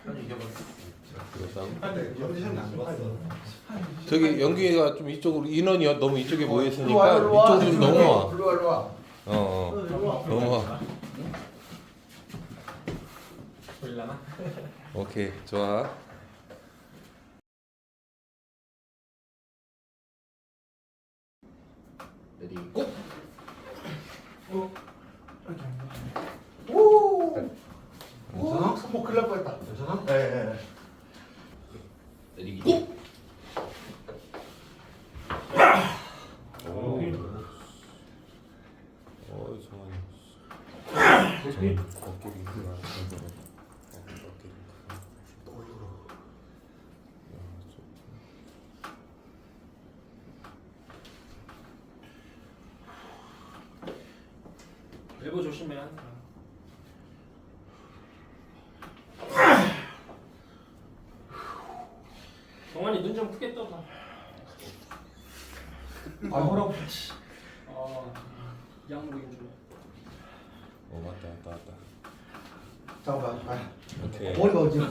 저기 연기가 좀 이쪽으로 인원이 너무 이쪽에 모여 있으니까 이쪽으로 좀 넘어와. 일로 와. 넘어와. 보일라나? 오케이, 좋아. 레디 고! 오. 괜찮아? 손목 큰일 날 뻔했다. 괜찮아? 네. 레디 고! 정환이. 엘보 조심해. 정환이 눈 좀 크게 떠봐. 아, 뭐라고? 양복인 줄. 왔다. 잠깐만. 아, 오케이. 머리가 어지러.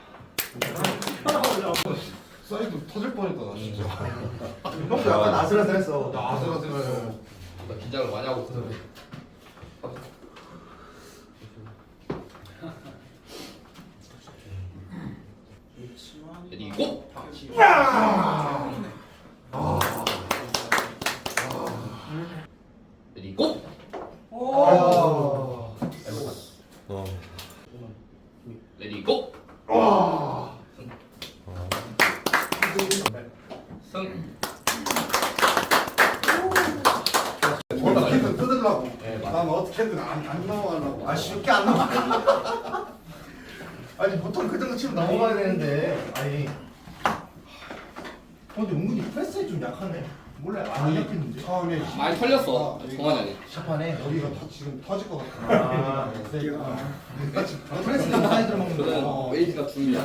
사이드 터질 뻔했다 나 진짜. 형도 약간 아슬아슬했어. 나 아슬아슬해. 나 긴장을 많이 하고 있거든. 레디 고! 레디 고! 레디 고! 승! 어떻게든 뜯으려고. 네, 맞아. 난 어떻게든 안 나와하려고. 아, 쉽게 안 나와. 아니, 보통 그 정도 치면 넘어가야 되는데. 아니. 근데 은근히 패스에 좀 약하네. 몰라, 안 약했는데. 처음에 많이 털렸어. 정환이 형이. 샷판에. 여기가 지금 터질 것 같아. 아, 프레스는 사이드로 먹는 그는 거. 웨이트가 중이야.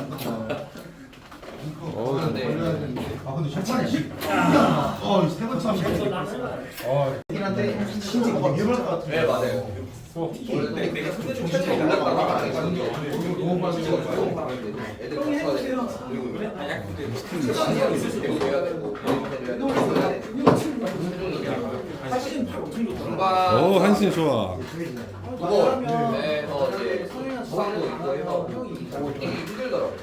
근데 걸려야 되는데. 아, 근데 샷판에 세 번째 하면 이긴 한데 신지 뭐가 위험할 것 같은데. 네, 맞아요. 원래 내가 손에 좀 채찍이 올랐다가 너무 많이 찍어주고 애들 같이 해야 돼. 그리고 시간이 있을 수도 해야 되고 오, 한신 좋아. 그거에서 이제 수상도 있고 해서 되게 힘들더라고.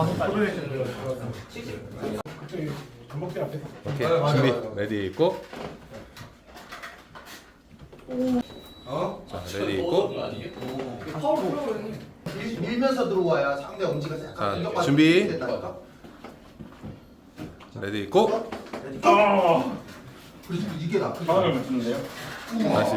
오케이, 준비. 레디 있고. 자, 레디 있고. 밀면서 들어와야 상대 엄지가 자, 약간 공격받는 준비. 게 된다니까? 레디 있고. 그래서 이게 나. 다시.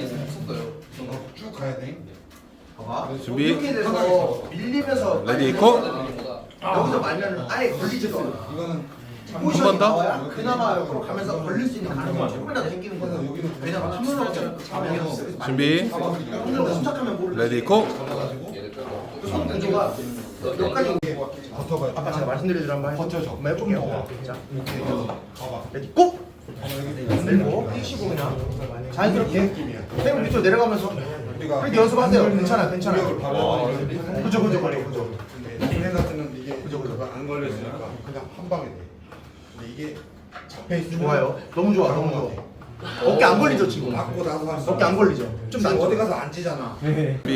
쭉 가야 돼. 봐봐. 준비. 이렇게 돼서 밀리면서 레디 있고. 여기서 말면 아예 걸리지도 않아. 이거는 포지션이 번 더? 나와야 그나마 옆으로 가면서 걸릴 수 있는 가능성이 조금이라도 생기는 거야. 왜냐면 틈으로 잡으면 준비. 힘들다 침착하면 모르지. 레디 있고. 손 구조가 몇 가지 버텨봐요. 아까 제가 말씀드린 한번 버텨줘. 한번 해볼게요. 좀 자, 이렇게 해서 봐봐. 레디 고! 내리고 뛰시고 그냥 자연스럽게 땡 밑으로 내려가면서 그렇게 연습하세요. 괜찮아. 공격을 바로 그죠. 얘네 같은 이게 안 걸렸으니까 그냥 한 방에 돼. 근데 이게 잡혀 있으면 좋아요. 너무 좋아. 어깨 안 걸리죠 지금? 맞고 나서 할 수. 어깨 안 걸리죠? 좀 지금 낫죠? 어디 가서 안 찌잖아. 준비.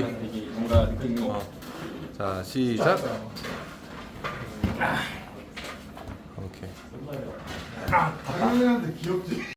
자, 시작. 오케이. 사람한테 귀엽지.